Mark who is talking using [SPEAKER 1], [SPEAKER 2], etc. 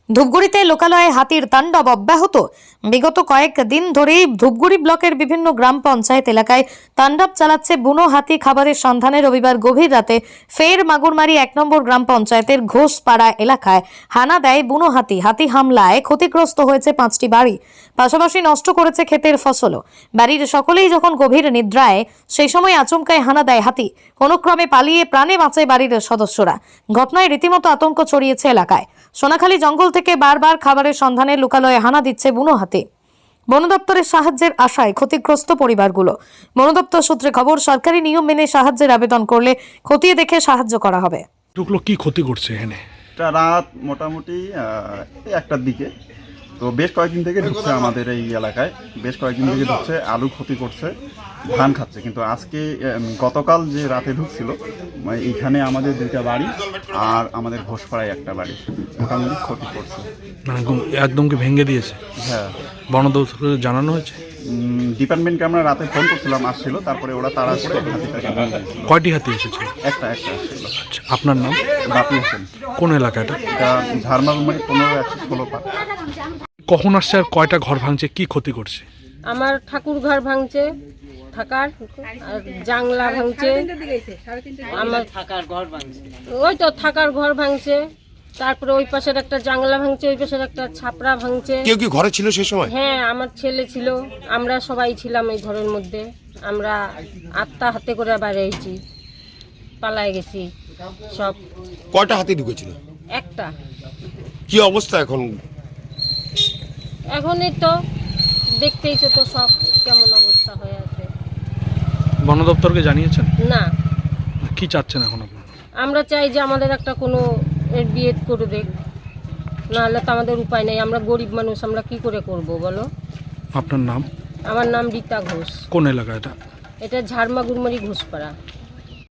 [SPEAKER 1] ধূপগুড়িতে লোকালয়ে হাতির তাণ্ডব অব্যাহত। বিগত কয়েকদিন ধরেই ধূপগুড়ি ব্লকের বিভিন্ন গ্রাম পঞ্চায়েত এলাকায় তাণ্ডব চালাচ্ছে বুনো হাতি। খাবারের সন্ধানে রবিবার গভীর রাতে ফের মাগুরমারি 1 নম্বর গ্রাম পঞ্চায়েতের ঘোষপাড়া এলাকায় হানা দেয় বুনো হাতি। হাতি হামলায় ক্ষতিগ্রস্ত হয়েছে 5টি বাড়ি, পাশাপাশি নষ্ট করেছে ক্ষেতের ফসলও। বাড়ির সকলেই যখন গভীর নিদ্রায়, সেই সময় আচমকায় হানা দেয় হাতি। কোনো ক্রমে পালিয়ে প্রাণে বাঁচে বাড়ির সদস্যরা। ঘটনায় রীতিমতো আতঙ্ক ছড়িয়েছে এলাকায়। সোনাখালী জঙ্গল থেকে বারবার খাবারের সন্ধানে লোকালয়ে হানা দিচ্ছে বুনো হাতি। বন দপ্তরের সাহায্যের আশায় ক্ষতিগ্রস্ত পরিবারগুলো। বন দপ্তর সূত্রে খবর, সরকারি নিয়ম মেনে সাহায্যের আবেদন করলে খতিয়ে দেখে সাহায্য করা হবে।
[SPEAKER 2] টুকলো কি ক্ষতি করছে এখানে?
[SPEAKER 3] রাত মোটামুটি 1টার দিকে তো বেশ কয়েকদিন থেকে ঢুকছে আমাদের এই এলাকায়, বেশ কয়েকদিন থেকে ঢুকছে, আলু ক্ষতি করছে, ধান খাচ্ছে। কিন্তু আজকে গতকাল যে রাতে ঢুকছিল, এইখানে আমাদের 2টা বাড়ি আর আমাদের ঘোষপাড়ায় 1টা বাড়ি মোটামুটি ক্ষতি করছে।
[SPEAKER 2] মানে একদম কি ভেঙে দিয়েছে?
[SPEAKER 3] হ্যাঁ,
[SPEAKER 2] বন দপ্তরকে জানানো হয়েছে?
[SPEAKER 3] ডিপার্টমেন্টকে আমরা রাতে ফোন করছিলাম, আসছিল, তারপরে ওরা তাড়া করে হাতিটাকে নিয়ে গেছিল।
[SPEAKER 2] কয়টি হাতি এসেছিল?
[SPEAKER 3] একটা আসছিল।
[SPEAKER 2] আচ্ছা, আপনার নাম?
[SPEAKER 3] বাপি হোসেন।
[SPEAKER 2] কোন এলাকাটা?
[SPEAKER 3] এটা ঝারমাগুমারি 15-116 পা।
[SPEAKER 2] কখন আসছে আর কয়টা ঘর ভাঙছে, কি ক্ষতি করছে?
[SPEAKER 4] আমার ঠাকুর ঘর ভাঙছে, থাকার আর জাংলা ভাঙছে, আমার থাকার ঘর ভাঙছে, ওই তো থাকার ঘর ভাঙছে, তারপরে ওই পাশের একটা জাংলা ভাঙছে, ওই পাশের একটা ছাপড়া ভাঙছে।
[SPEAKER 5] কেউ কি ঘরে ছিল সেই সময়?
[SPEAKER 4] হ্যাঁ, আমার ছেলে ছিল, আমরা সবাই ছিলাম এই ঘরের মধ্যে। আমরা আত্মা হাতে করে বেরিয়েছি, পালায় গেছি সব।
[SPEAKER 5] কয়টা হাতি ঢুকেছিল?
[SPEAKER 4] একটা।
[SPEAKER 5] কি অবস্থা এখন?
[SPEAKER 4] এখনই তো দেখতেইছো তো সব কেমন অবস্থা হয়ে আছে।
[SPEAKER 2] বন দপ্তরকে জানিয়েছেন?
[SPEAKER 4] না,
[SPEAKER 2] কি চাচ্ছেন এখন আপনারা?
[SPEAKER 4] আমরা চাই যে আমাদের একটা কোনো এর বিয়ে করে দেখ, নাহলে তো আমাদের উপায় নেই। আমরা গরিব মানুষ, আমরা কি করে করব বলো?
[SPEAKER 2] আপনার নাম?
[SPEAKER 4] আমার নাম রীতা ঘোষ।
[SPEAKER 2] কোন এলাকা এটা?
[SPEAKER 4] এটা ঝারমাগুরমারি ঘোষপাড়া।